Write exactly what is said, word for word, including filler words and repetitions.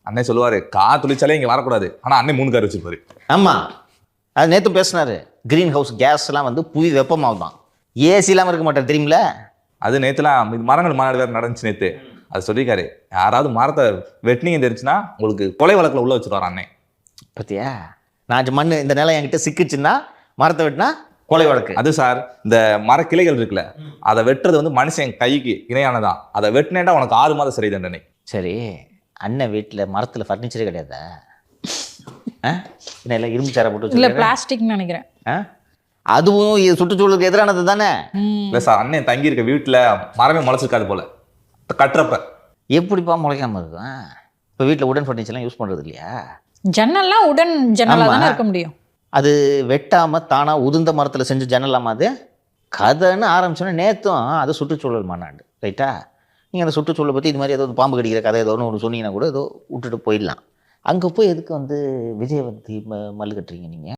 அண்ணன் சொல்லுவாரு கார் தொழிற்சாலே இங்க வரக்கூடாது, ஆனா அண்ணன் மூணு கார் வச்சிருப்பாரு. ஆமாம், அது நேற்று பேசினாரு. கிரீன் ஹவுஸ் கேஸ்லாம் வந்து புவி வெப்பமாகுதான், ஏசி இல்லாமல் இருக்க மாட்டேன் தெரியுமில. அது நேற்றுலாம் மரங்கள் மாநாடு வேறு நடந்துச்சு நேற்று. அது சொல்லியிருக்காரு, யாராவது மரத்தை வெட்டினீங்க தெரிஞ்சுன்னா உங்களுக்கு கொலை வழக்கில் உள்ள வச்சுருவார் அண்ணன். பத்தியா, நான் மண் இந்த நிலம் என்கிட்ட சிக்கிச்சுன்னா மரத்தை வெட்டினா கொலை வழக்கு. அது சார், இந்த மரக்கிளைகள் இருக்குல்ல, அதை வெட்டுறது வந்து மனுஷன் கைக்கு இணையானதான். அதை வெட்டினேட்டா உனக்கு ஆறு மாதம் சிறை தண்டனை. சரி, அண்ணன் வீட்டில் மரத்தில் ஃபர்னிச்சரே கிடையாதா? என்ன இல்லை இரும்பு சேரை போட்டு இல்லை பிளாஸ்டிக்னு நினைக்கிறேன். அதுவும் இது சுற்றுச்சூழலுக்கு எதிரானது தானே. இல்லை சார், அண்ணன் தங்கி இருக்க வீட்டில் மரமே முளைச்சிருக்காது போல கட்டுறப்ப. எப்படிப்பா முளைக்காம இருக்கும்? இப்போ வீட்டில் உடன் ஃபர்னிச்சர்லாம் யூஸ் பண்ணுறது இல்லையா? ஜன்னல்லாம் உடன் ஜன்னலாக தானே இருக்க முடியும். அது வெட்டாமல் தானாக உதிர்ந்த மரத்தில் செஞ்சு ஜன்னலாமா அது? கதைன்னு ஆரம்பிச்சோன்னா நேற்றும் அது சுற்றுச்சூழல் மாநாடு, ரைட்டா? நீங்கள் அந்த சுற்றுச்சூழலை பற்றி இது மாதிரி ஏதோ பாம்பு கடிக்கிற கதை ஏதோ ஒன்று சொன்னீங்கன்னா கூட ஏதோ விட்டுட்டு போயிடலாம். அங்கே போய் எதுக்கு வந்து விஜயவந்தி ம மல்லு கட்டுறீங்க நீங்கள்?